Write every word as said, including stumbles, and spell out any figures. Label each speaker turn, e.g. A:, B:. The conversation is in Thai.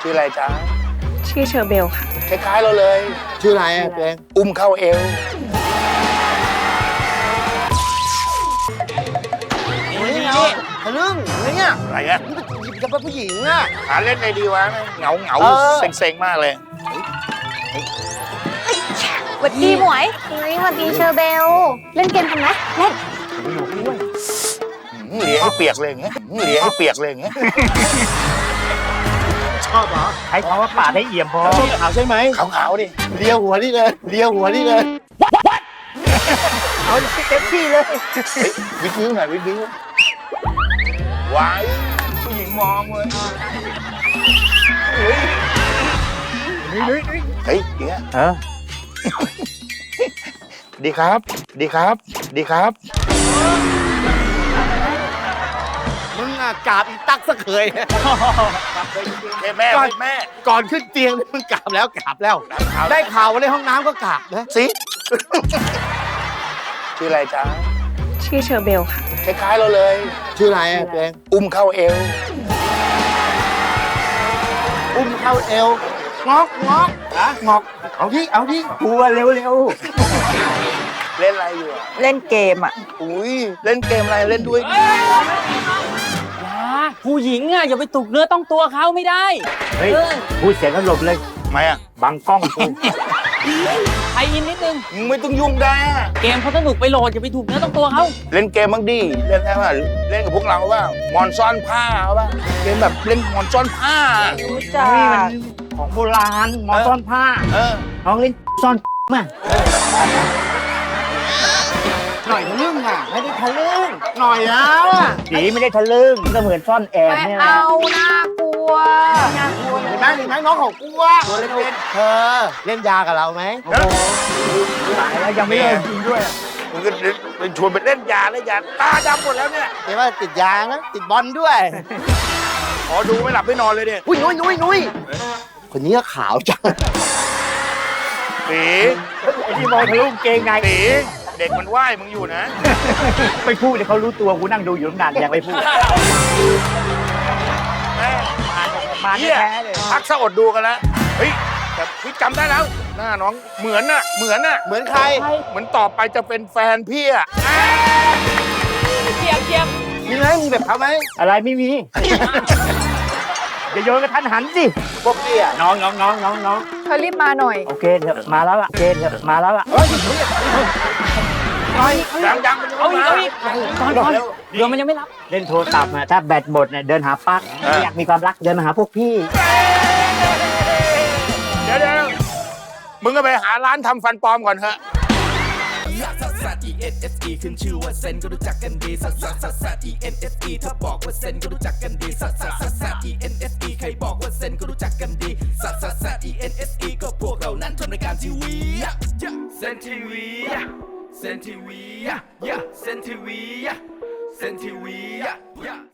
A: ชื่ออะไรจ๊ะ
B: ชื่อเชอร์เบลค่ะ
A: คล้ายๆเราเลย
C: ชื่ออะไรอ่ะเอง
A: อุ้มเข้าเอว
C: นี่ไงทะลึ่งเนี่ย
A: อะไรเงี้ย
C: จะเป็นผู้หญิงอ่ะ
A: หาเล่นในดีวะเหงาเหงาเซ็งๆมากเลย
B: สวัสดีหมวยเฮ้ยสวัสดีเชอร์เบลเล่นเกมกันไหมเล่น
A: เหลียให้เปียกเลยอย่างเงี้ยเหลียให้เปียกเลยอย่างเงี้ย
C: ชอบเหรอ
D: ใช้คำว่าปาดให้เอี่ยมพอ
C: ขาวใช่ไหม
A: ขาวๆดิ
C: เลียวหัวนี่เลยเลียวหัวนี่เลย
D: เอาเต็มที่เลย
A: วิดวิวหน่อยวิดวิวว้ายผู้หญิงมองเลยเฮ้ยเฮ้ยเฮ้ยเงี้ย
D: เออ
A: ดีครับดีครับดีครับ
C: มึงอ่ะกราบอีตักซะเคย
A: แม่แม่
C: ก่อนขึ้นเตียงมึงกราบแล้วกราบแล้วได้ข่าวว่าในห้องน้ำก็กราบนะ
A: สิชื่ออะไรจ๊ะ
B: ชื่อเชอร์เบลค่ะ
A: คล้ายๆเราเลย
C: ชื่ออะไรอ่ะเอง
A: อุ้มเข้าเอว
C: อุ้มเข้าเอวงอกงอกอะงอกเอาที่เอาที่
D: กลัวเร็วเร็ว
A: เล่นอะไรอยู่
B: เล่นเกมอ่ะ
A: อุ้ยเล่นเกมอะไรเล่นด้วย
E: ผู้หญิงอ่ะอย่าไปตุกเนื้อต้องตัวเขาไม่ได้
D: เฮ้ยพูดเสียงกันหลบเลย
A: ทำไมอ่ะ
D: บังกล้องกู
E: ไทยอินนิดนึง
A: มึงไม่ต้องยุ่งได้
E: เกมเขาสนุกไปโหลดอย่าไปถูกเนื้อต้องตัวเขา
A: เล่นเกมบ้างดิเล่นแค่ว่าเล่นกับพวกเราว่ามอนซ่อนผ้าป่ะเกมแบบเล่นมอนซ่อนผ้า
B: รู้จัก
D: นี่มันของโบราณมอนซ่อนผ้า
A: เออ
D: น้องเล่นซ่อนมา
C: หน่อยทะลึ่งอ่ะไม่ได้ทะลึ่งหน่อยแล้วอ่ะ
D: สีไม่ได้ทะลึ่งก็เหมือนซ่อนแอบเนี่ย
B: เอาน่ากลัวน่ากลัว
C: เห็นไหมเห็นไหมน้องของกูอ่ะตัวเล็กๆเธอเล่นยากับเราไหม
D: ตายแล้วยังไม่เลิกจริงด้วย
A: มึงก็เป็นชวนไปเล่นยาเล่นยาตาดำหมดแล้วเนี่ย
C: เห็นว่าติดยานะติดบอลด้วย
A: ขอดูไม่หลับไม่นอนเลยเนี่ย
C: อุ้ยนุ้ยนุ้ยนุ้ยคนนี้ก็ขาวจัง
A: ตี
D: ไอ้ที่มองทะลุเกงไง
A: ตีเด็กมันไหว้มึงอยู่นะ
D: ไม่พูดเดี๋ยวเขารู้ตัวกูนั่งดูอยู่ตั้งนานยังไม่พูด
A: แม่
D: มาแท้เลย
A: พักสะอดดูกันแล้วเฮ้ยแต่พี่จำได้แล้วหน้าน้องเหมือนน่ะเหมือนน่ะ
C: เหมือนใคร
A: เหมือนต่อไปจะเป็นแฟนพี่อ่ะ
E: เจียบเจียบ
C: มีไหมมีแบบเขาไหม
D: อะไรไม่มีอย่าโยนกระทันหันสิ
C: พวกพี่อ่ะ
D: น้องน้องน้องน้องน้อง
B: เธอรีบมาหน่อย
D: โอเคเถอะมาแล้วล่ะเกณฑ์เถอะมาแล้วล่ะ
A: ยังยัง
E: เอาอีกเอาอีกก่อนก่อนเดี๋ยวมันยังไม่รับ
D: เล่นโทรศัพท์นะถ้าแบตหมดเนี่ยเดินหาปลั๊กอยากมีความรักเดินมาหาพวกพี่
A: เดี๋ยวเดี๋ยวมึงก็ไปหาร้านทำฟันปลอมก่อนเถอะ
F: ซัสซัส อี เอ็น เอส อี ขึ้นชื่อว่าเซนก็รู้จักกันดีซัสซัสซัสซัส อี เอ็น เอส อี ถ้าบอกว่าเซนก็รู้จักกันดีซัสซัสซัสซัส อี เอ็น เอส อี ใครบอกว่าเซนก็รู้จักกันดีซัสซัสซัส อี เอ็น เอส อี ก็พวกเรานั้นทำรายการทีวีเซนทีวีเซนทีวีเซนทีวีเซนทีวี